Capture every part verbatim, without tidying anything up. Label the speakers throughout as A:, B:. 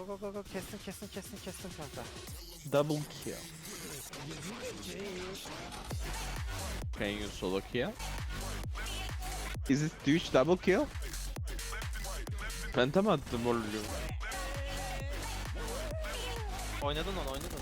A: go go go kestin kestin kestin kestin kanka.
B: Double kill. Can you solo kill? Is it Twitch double kill? Phantom attım oğlum.
A: Oynadın onu oynadın.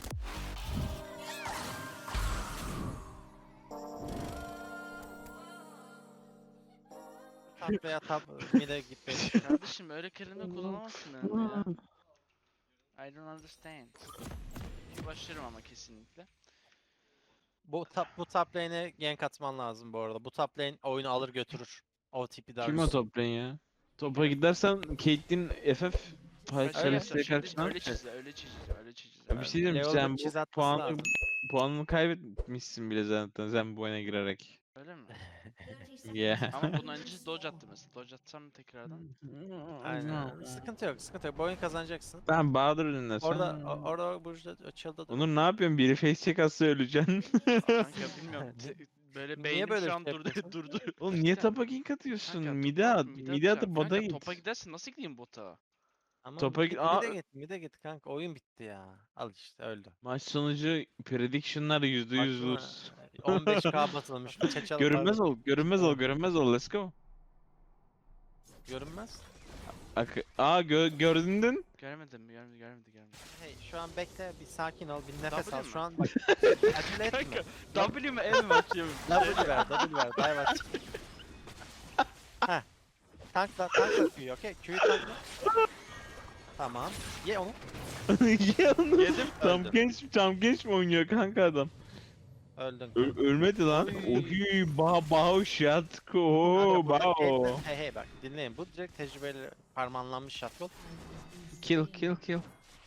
A: Tap veya tap mid'e gitmeyi.
C: Kardeşim öyle kelime kullanamazsın önünde ya. I don't understand. Başlarım ama kesinlikle.
A: Bu top bu top lane'e gank atman lazım bu arada. Bu top lane oyunu alır götürür. O tipi
B: Kim o
A: Darius.
B: top lane ya? Topa gidersen Caitlyn F F
C: Öyle
B: Şerefsiz
C: yapacağım, şimdi
B: karşına.
C: öyle çizeceğim, öyle çizeceğim, öyle çizeceğim.
B: Ya bir şey diyeyim
A: Level
B: sen
A: bir çiz
B: bu
A: atması
B: puanı
A: lazım.
B: puanını kaybetmişsin bile zaten sen bu oyuna girerek.
C: Öyle mi?
B: Yeah.
C: Ama bunun öncesi dodge attı mesela. Dodge atsam tekrardan.
A: Aynen. Sıkıntı yok, sıkıntı yok. Bu oyunu kazanacaksın.
B: Ben Bahadır önüne sen.
A: Orada o- orada Burcu'da açıldı.
B: Onur ne yapıyorsun? Biri face check atsa öleceksin.
C: Kanka bilmiyorum. te- böyle
A: Niye
C: beynim
A: böyle
C: şu
A: bir
C: an
A: şey
C: durdu
A: yapıyorsun?
C: durdu.
B: Oğlum niye tapa gank atıyorsun?
C: Kanka,
B: Mide
C: topa-
B: at.
C: mide
B: Mide atıp
C: atacağım.
B: bota
C: Kanka,
B: git.
C: Topa gidersin nasıl gideyim bota?
A: Ama
B: Topa
A: git,
B: git- Aa,
A: mide git, mide git kanka. Oyun bitti ya. Al işte öldü.
B: Maç sonucu prediction'lar yüzde yüz
A: Baksana,
B: lose.
A: on beş K basılmış. Çeçalı
B: Görünmez
A: pardon.
B: ol, görünmez ol, görünmez ol. Let's go.
A: Görünmez.
B: Ak Aa gö gördün.
C: Göremedim mi? Görmedi, görmedi, görmedi.
A: Hey şu an bekle bir sakin ol bir nefes
C: W
A: al
C: mi?
A: şu an bak acele etme.
C: W mu E mi bakıyorum?
A: W ver W ver dive at. Heh. Tankla tankla Q'yu okey Q'yu tankla. Tamam. Ye onu.
B: Ye onu.
C: Yedim.
B: Tam
A: Öldü.
B: genç, tam genç mi oynuyor kanka adam?
A: Öldün.
B: Ö ölmedi lan.
A: Oy.
B: Oy, ba bao şatko,
A: Kanka, burada
B: bao.
A: Caitlyn- Hey hey bak dinleyin bu direkt tecrübeli parmanlanmış shotgun.
B: Kill, kill, kill.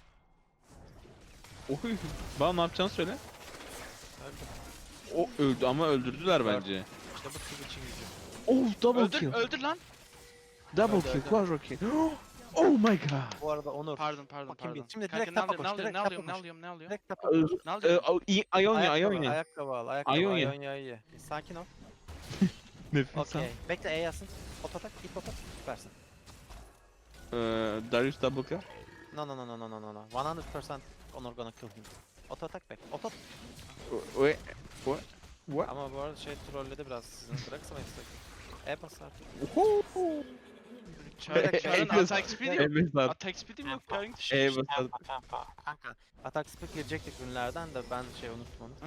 B: Oy, bao ne yapacağını söyle.
A: Öldü.
B: O öldü ama öldürdüler bence.
A: İşte bu Twitch'in gücü.
B: Oh, double
C: Öldür,
B: kill.
C: öldür lan.
B: Double
A: Öldü,
B: kill,
A: öldü.
B: quadra kill. Oh my god.
A: Bu arada Onur.
C: Pardon, pardon,
A: Bakayım bir-
C: pardon.
A: şimdi
C: Kanka,
A: direkt
C: ne
A: tapa
C: alıyorum, ne
A: koş,
C: alıyorum,
A: direkt
C: ne
A: tapa
C: alıyorum, ne
A: koş.
C: alıyorum, ne alıyorum?
A: Direkt tapa koş.
C: Ne
B: Ee,
C: alıyorum?
B: o- i- Ionia,
A: Ayakkabı,
B: Ionia.
A: ayakkabı al, ayakkabı,
B: Ionia.
A: Ionia iyi. Sakin ol.
B: Nefes al.
A: Okey. Bekle E yazsın. Ototak, ip otak, süpersin.
B: Ee, Darius double kill.
A: No no no no no no no no. one hundred percent Onur gonna kill him. Ototak bek. Otot.
B: Ve what? What?
A: Ama bu arada şey trolledi biraz sizin bıraksamayız. E bas artık.
C: Çağrı, Çağrı'nın
B: Evet.
C: attack speed'i yok.
B: Evet lan.
C: Attack speed'im yok kanka.
B: Evet.
A: Kanka, kanka. Atak speed girecektik ürünlerden de ben şey unuttum onu.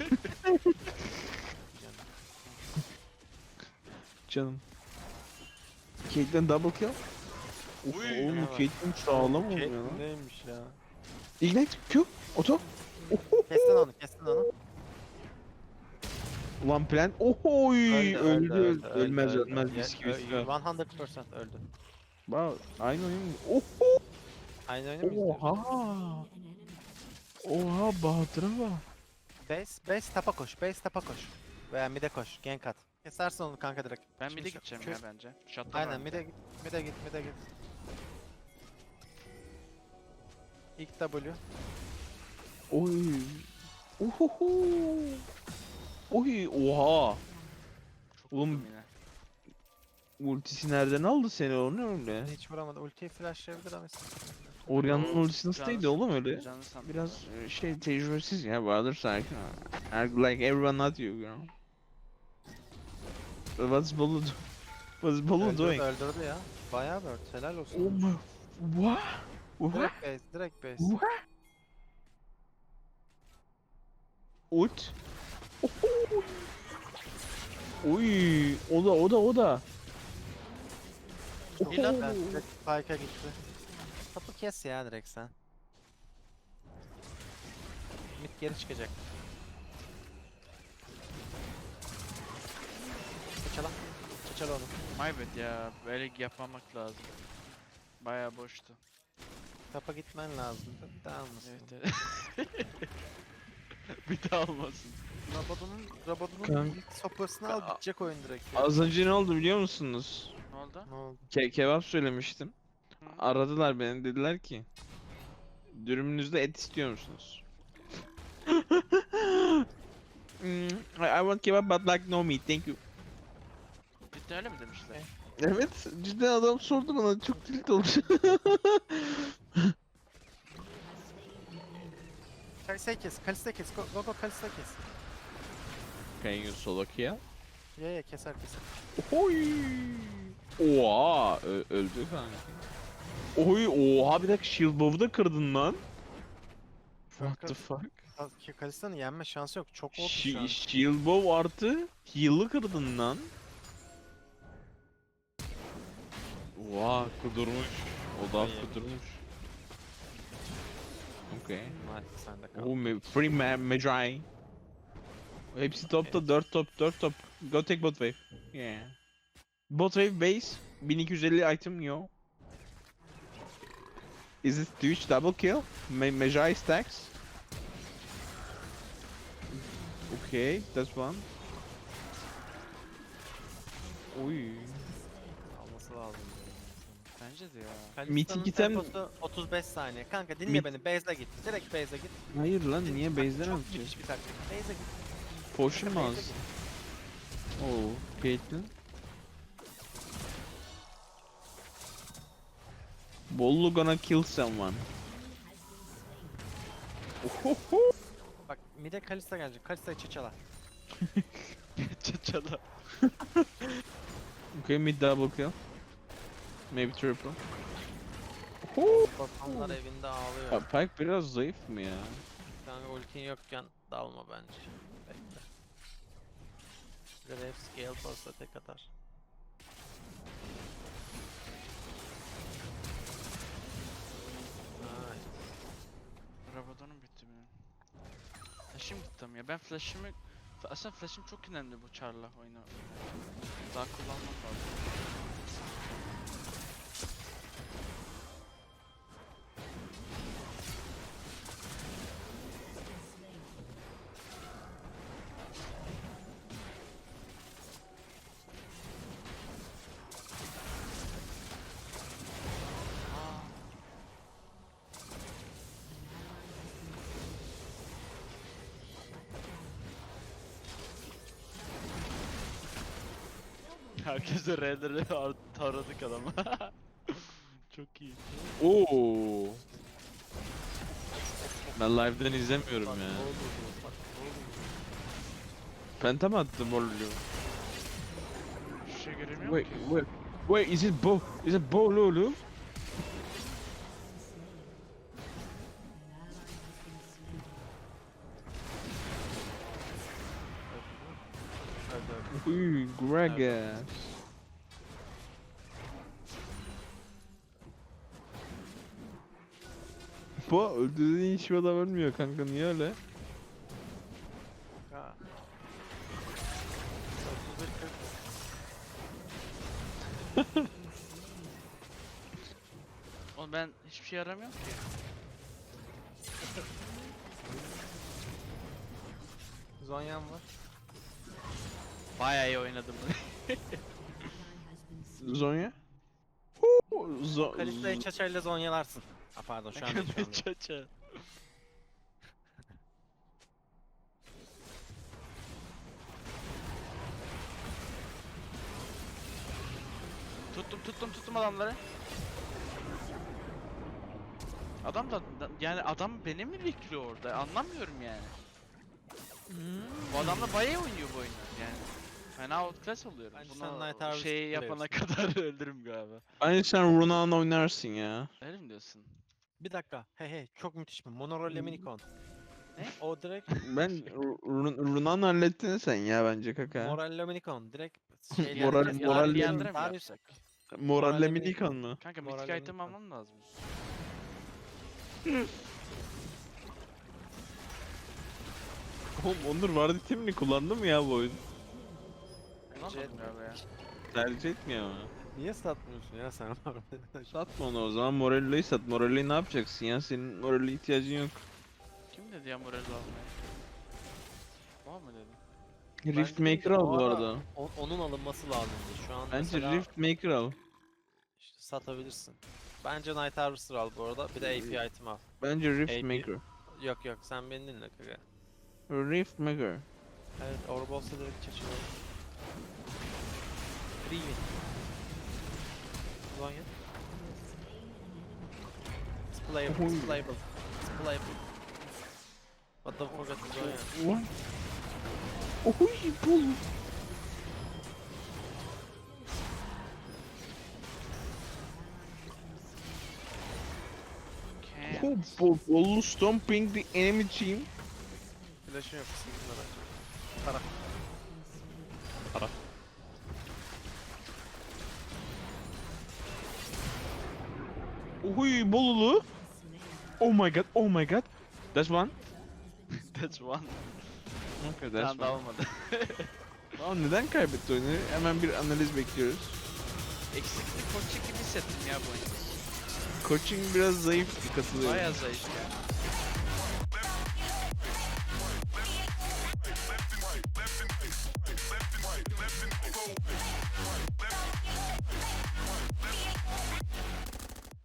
B: Canım. Caitlyn double kill. Of,
C: Uy.
B: oğlum
A: Evet.
B: Caitlyn sağlam oluyor
A: Şey
B: lan.
A: neymiş ya?
B: Ignite Q. Oto.
A: Kestin onu, kestin onu.
B: Ulan plan. Ohoy. Öldü, öldü, Ölmez
A: öldü.
B: ölmez.
A: Ya,
B: Mis gibi.
A: ö- one hundred percent öldü.
B: Bak aynı oyun mu? Oho.
A: Aynı oyunu mu izliyoruz?
B: Oha. Oha Bahadır'a bak.
A: Base, base tapa koş, base tapa koş. Veya mid'e koş, gank at. Kesersin onu kanka direkt.
C: Ben
A: Şimdi
C: mid'e
A: şu-
C: gideceğim
A: şu-
C: ya bence. Shot'tan
A: Aynen
C: var.
A: mid'e git, mid'e git, mid'e git. İlk W.
B: Oy. Ohoho. Oy oha.
C: Çok
B: Oğlum,
C: vurdum yine.
B: Ultisi nereden aldı seni onu öyle?
A: Hiç vuramadı. Ultiyi flashlayabilir ama istedim.
B: Oryan'ın
C: Oo,
B: ultisi nasıl
C: canı-
B: değildi oğlum öyle?
C: Canı sandım.
B: Biraz e, şey tecrübesiz ya Bahadır sakin. ol. Like everyone not you, you know. What's Bolu do? What's Bolu
A: Öldürdü,
B: doing?
A: öldürdü ya. Bayağı bird. Helal olsun.
B: Oh my... What? What?
A: Direkt base, direkt base.
B: What? Ult? Oho! Oy, o da o da o da.
C: İyi lan.
A: Ben direkt spike'a gitti. Topu kes ya direkt sen. Mid geri çıkacak. Çala. Çala onu.
C: My bad ya. Böyle yapmamak lazım. Bayağı boştu.
A: Topa gitmen lazım. Bir daha almasın.
C: Evet evet. Bir daha olmasın.
A: Rabadon'un Rabadon'un
B: Kanka.
A: ilk sopasını al bitecek oyun direkt ya.
B: Az önce ne oldu biliyor musunuz?
C: Ne oldu?
A: Ne oldu?
B: Ke kebap söylemiştim.
C: Hı.
B: Aradılar beni, dediler ki dürümünüzde et istiyor musunuz? Hmm, I, I want kebap but like no meat, thank you.
C: Cidden öyle mi demişler?
A: Okay.
B: Evet, cidden adam sordu bana, çok tilt olmuş.
A: Kalisa'yı kes. Kalisa kes. Go go, go Kalisa kes.
B: Can you solo kill?
A: Ya ya keser keser.
B: Oy. Oha ö- öldü kanka. Oy oha bir dakika shield bow'u da kırdın lan. What the fuck?
A: Ka- Kalisa'nın yenme şansı yok. Çok oldu şu an.
B: Sh shield bow artı heal'ı kırdın lan. Oha kudurmuş. O da
A: İyi.
B: kudurmuş. Okay.
A: Hadi sen de kal.
B: Oh, me free ma Magi. Hepsi topta dört top dört top. Go take bot wave. Yeah. Bot wave base bin iki yüz elli item yo. Is it Twitch double kill? Ma Magi stacks. Okay, that's one. Oy.
A: Alması lazım.
C: Bence de ya.
A: Kalisa'nın
B: Mythic item-
A: temposu otuz beş saniye. Kanka dinle
B: Myth-
A: beni. Base'le git. Direkt base'e git.
B: Hayır lan niye
A: Bak,
B: base'den
A: Çok
B: atıyor?
A: müthiş bir taktik. Base'e git.
B: Potion mu
A: Base'e
B: az?
A: git.
B: Oh, Caitlyn. Bollu gonna kill someone. Ohoho.
A: Bak mid'e Kalista gelecek. Kalista'yı çeçala.
C: Çaçala.
B: Okay, mid double kill. Maybe triple. Oho.
A: Bakanlar evinde ağlıyor.
B: Ya Pyke biraz zayıf mı ya?
A: Kanka ultin yokken dalma bence. Bekle. Grave scale pasta tek atar. Ay.
C: Rabadon'um bitti benim. Flash'im gitti ama ya. Ben flash'imi... Aslında flash'im çok önemli bu Char'la oyunu. Daha kullanmam lazım. Herkese R'leri taradık adamı. Çok iyi.
B: Oo. Ben live'den izlemiyorum
A: Bak,
B: ya.
A: ne oldu bu? Bak, ne oldu bu?
B: Penta mı attı Bollu?
C: Bir şey göremiyorum
B: Wait,
C: ki.
B: wait, wait, is it Bo? Is it Bo Lulu?
A: Öldü, öldü.
B: Uy, Gragas. Bo öldürdüğün hiçbir adam ölmüyor kanka niye öyle?
A: Ha. otuz bir kırk.
C: Oğlum ben hiçbir şey yaramıyorum ki.
A: Zonya'm var.
C: Bayağı iyi oynadım.
B: Zonya? Huu, Zo
A: Kalista'yı çaçayla zonyalarsın. Ha pardon şu an değil şu an değil.
C: Çaça. Tuttum tuttum tuttum adamları. Adam da da- yani adam beni mi bekliyor orada anlamıyorum yani. Bu adam da bayağı oynuyor bu oyunu yani. Fena outclass oluyorum.
A: Bence
C: Bunu
A: sen Night Harvest
C: şey yapana kadar öldürürüm galiba.
B: Bence sen Runa'nı oynarsın ya.
C: Öyle mi diyorsun?
A: Bir dakika. Hey hey çok müthiş mi? Monoro Leminikon.
C: Ne?
A: O direkt
B: Ben Runa'nı hallettin sen ya bence kaka.
A: Moral Leminikon. Direkt şeyleri
B: Moral-
A: kes-
B: moral
A: Daha
C: Leandre mi
A: daha
C: yapsak?
B: Moralle
A: Moral'le
B: Minikon mu?
C: Kanka
A: Moral
C: mythic
A: Lemin
C: item
A: falan.
C: almam lazım.
B: Oğlum Onur vardı timini kullandı mı ya bu oyun?
C: Kullanmadım galiba ya.
B: Tercih etmiyor ama.
A: Niye satmıyorsun ya sen harbiden?
B: Satma onu o zaman Morello'yu sat. Morello'yu ne yapacaksın ya? Senin Morello'ya ihtiyacın yok.
C: Kim dedi ya moral almaya? Var mı dedi?
B: Rift
A: Bence
B: Maker
A: de
B: al
A: o
B: bu
A: ara
B: arada.
A: o- onun alınması lazımdı. Şu an
B: Bence
A: mesela
B: Rift Maker al.
A: işte satabilirsin. Bence Night Harvester al bu arada. Bir de A P item al.
B: Bence Rift
A: A P
B: Maker.
A: Yok yok sen beni dinle kaka.
B: Rift Maker.
A: Evet Orbols'a direkt çeşiyor. Free win. Zonya. It's playable, it's playable. It's playable. What the fuck is going on?
B: What? Oy bol.
C: Can't.
B: Oh, bol bol stomping the enemy team.
A: Flash'ım yok. Sıkıntılar açacağım. Para.
B: Para. Oy bolulu. Oh my god, oh my god. That's one.
C: That's one.
B: Okay,
C: Bir
B: that's
C: tane daha
B: one.
C: olmadı.
B: Aa, neden kaybetti oyunu? Hemen bir analiz bekliyoruz.
C: Eksikli koçu gibi hissettim ya bu oyunda.
B: Coaching biraz zayıf, katılıyorum.
C: Bayağı zayıf ya.